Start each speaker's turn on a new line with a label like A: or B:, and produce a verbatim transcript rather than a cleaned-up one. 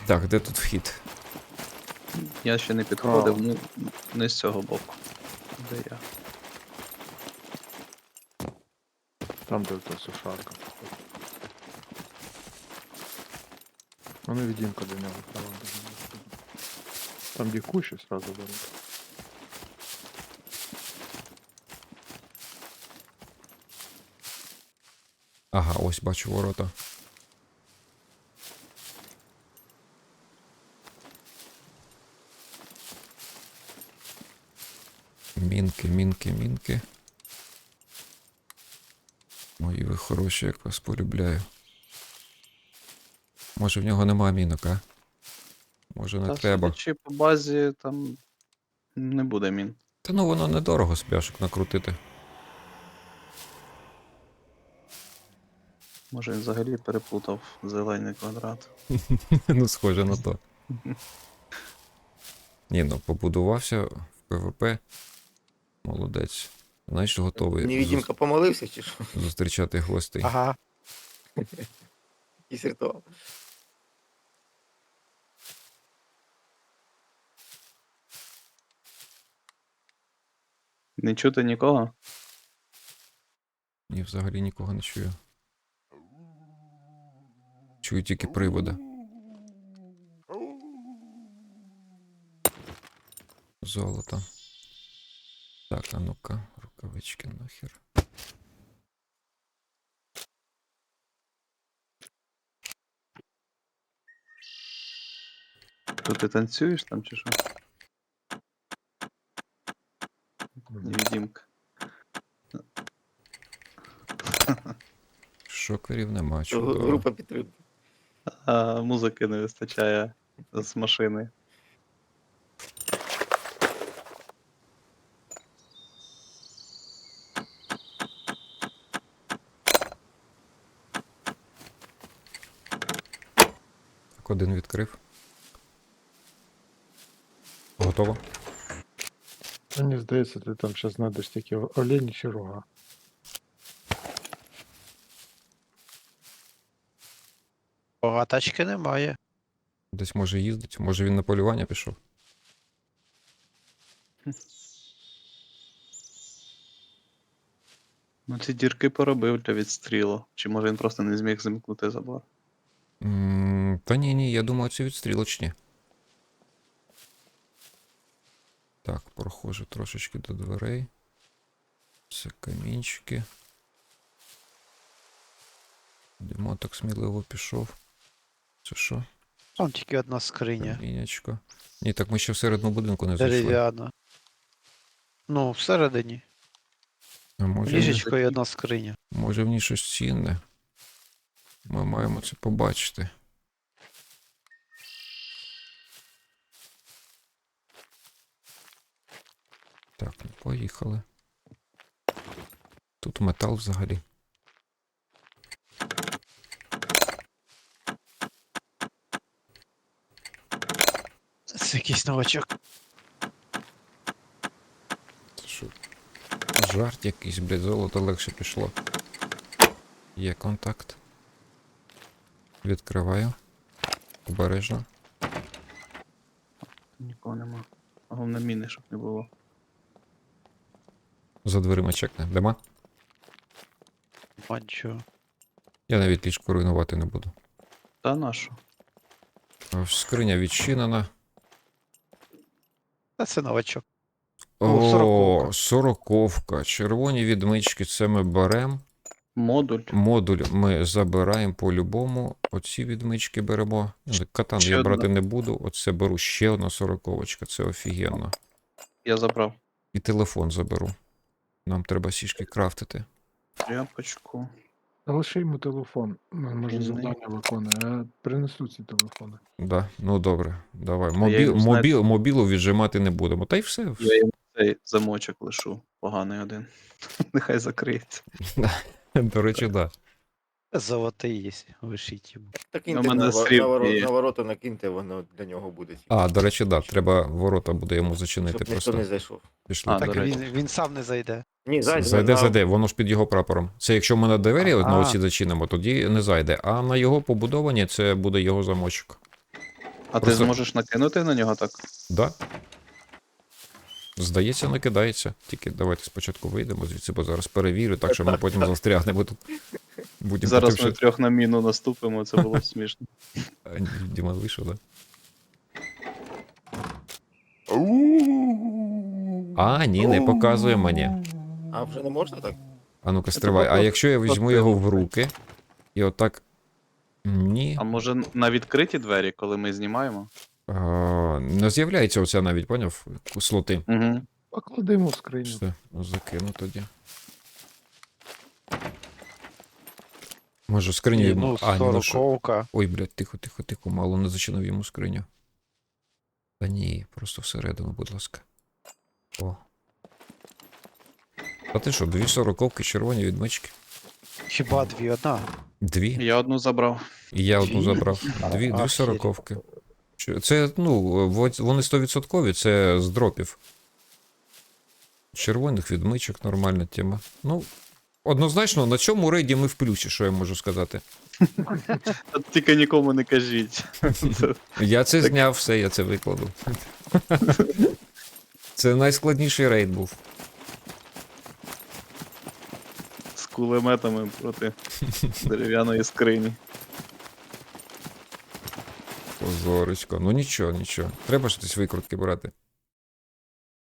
A: Так, де тут вхід?
B: Я ще не підходив, ну не з цього боку. Де я?
C: Там, де та сушарка. Ну, невидимка до нього. Там, там де кущі сразу беруть.
A: Ага, ось бачу ворота. Мінки, мінки, мінки. Мої ви хороші, як вас полюбляю. Може в нього нема мінок, а? Може не
B: Та
A: треба.
B: судячи по базі, там не буде мін.
A: Та ну воно недорого з пляшок накрутити.
B: Може він взагалі переплутав зелений квадрат.
A: Ну, схоже на то. Ні, ну побудувався в ПВП. Молодець. Знаєш, готовий
D: Невидимка помолився чи що?
A: зус- зустрічати гостей.
D: Ага. Якийсь ритуал.
B: Не чути нікого?
A: Ні, взагалі нікого не чую. Чую тільки привода. Золото. Так, а ну-ка, рукавички нахер.
B: То ти танцюєш там чи що? Невидимка.
A: Шокерів нема,
D: Гру-
A: чудово.
D: Група підтримки.
B: А музики не вистачає з машини.
A: Так, один відкрив. Готово?
C: Мені здається, ти там зараз знайдеш тільки олені чи рога.
E: А тачки немає.
A: Десь може їздить, може він на полювання пішов.
B: Ну ці дірки поробив для відстрілу. Чи може він просто не зміг замкнути забор?
A: М, Та ні, ні, я думаю, це відстрілочні. Так, проходжу трошечки до дверей. Це камінчики. Димон так сміливо пішов. Це що?
E: Там тільки одна скриня.
A: Камінячко. Ні, так ми ще всередину будинку не зайшли.
E: Дерев'яна. Ну, всередині.
A: А може,
E: Ліжечко і одна скриня.
A: може в ній щось цінне. Ми маємо це побачити. Так, ну поїхали. Тут метал взагалі.
E: Це якийсь новачок.
A: Це що? Жарт якийсь, блядь, золото легше пішло. Є контакт. Відкриваю. Обережно.
B: Нікого нема. Головне міни, щоб не було.
A: За дверима чекне. Дима?
E: Манчо.
A: Я навіть ліжко руйнувати не буду.
B: Та нашу.
A: А, Скриня відчинена.
E: Та це новачок.
A: О,
E: О, сороковка.
A: сороковка. Червоні відмички це ми беремо.
B: Модуль.
A: Модуль ми забираємо по-любому. Оці відмички беремо. Ну, Катан
B: Ще
A: я
B: одна.
A: брати не буду. Оце беру ще одна сороковочка. Це офігенно.
B: Я забрав.
A: І телефон заберу. Нам треба сішки крафтити.
B: Тряпочку.
C: Та лише йому телефон. Ну, може
B: Він
C: завдання виконує, а принесу ці телефони.
A: Да, ну добре, давай.
B: я
A: Мобіл,
B: йому знаю-
A: мобіл, мобілу віджимати не будемо. Та й все.
B: Я йому цей замочок лишу. Поганий один. Нехай закриється.
A: До речі, да.
E: Золотий є. Вишіть йому.
D: Так
B: У
D: киньте
B: мене
D: на, ва-
B: сріб
D: на, воро-
B: є.
D: на ворота накиньте, воно для нього буде. тільки.
A: А, до речі, да. Треба ворота буде йому зачинити
D: Щоб ніхто
A: просто.
D: не зайшов.
A: Пішли.
B: А,
E: Так
B: до речі.
E: він, він сам не зайде.
D: Ні, зайде.
A: Зайде,
D: на-
A: зайде, воно ж під його прапором. Це якщо ми на двері на
E: А.
A: оці зачинимо, тоді не зайде. А на його побудовані це буде його замочок.
B: А ти
A: Просто-
B: зможеш накинути на нього так?
A: Да. Здається, накидається. Тільки давайте спочатку вийдемо звідси, бо зараз перевірю, так що ми потім застрягнемо тут. Будемо
B: Зараз
A: потім
B: ми
A: ще-
B: трьох на міну наступимо, це було б смішно.
A: А, ні, Діма вийшов, да? А, ні, не показує мені.
D: А вже не можна так?
A: А ну-ка,
B: Це
A: стривай. А
B: просто-
A: якщо я візьму
B: просто
A: його
B: його
A: в руки і отак. Ні.
B: А може на відкриті двері, коли ми знімаємо?
A: А, не з'являється оця навіть, поняв? Слоти.
B: Угу.
C: Покладемо в скриню.
A: Все, закину тоді. Може, скриню
E: Ні,
A: йому.
E: ну,
A: А, ні, ну що?
E: сороковка.
A: Ой, блядь, тихо, тихо, тихо, мало не зачинив йому скриню. Та ні, просто всередину, будь ласка. О. А ти що, дві сороковки червоні відмички?
E: Хіба дві одна?
A: Дві.
B: Я одну забрав.
A: І я одну
E: Дві?
A: забрав.
E: А,
A: Дві, дві
E: охереть.
A: сороковки. Що- Це, ну, во- вони стовідсоткові, це з дропів. Червоних відмичок, нормальна тема. Ну, однозначно, на цьому рейді ми в плюсі, що я можу сказати.
B: Та тільки нікому не кажіть. Це-
A: Я це
B: Так.
A: зняв, все, я це викладу. Це найскладніший рейд був.
B: З кулеметами проти дерев'яної скрині.
A: Позорочко. Ну нічого, нічого. Треба ж десь викрутки брати.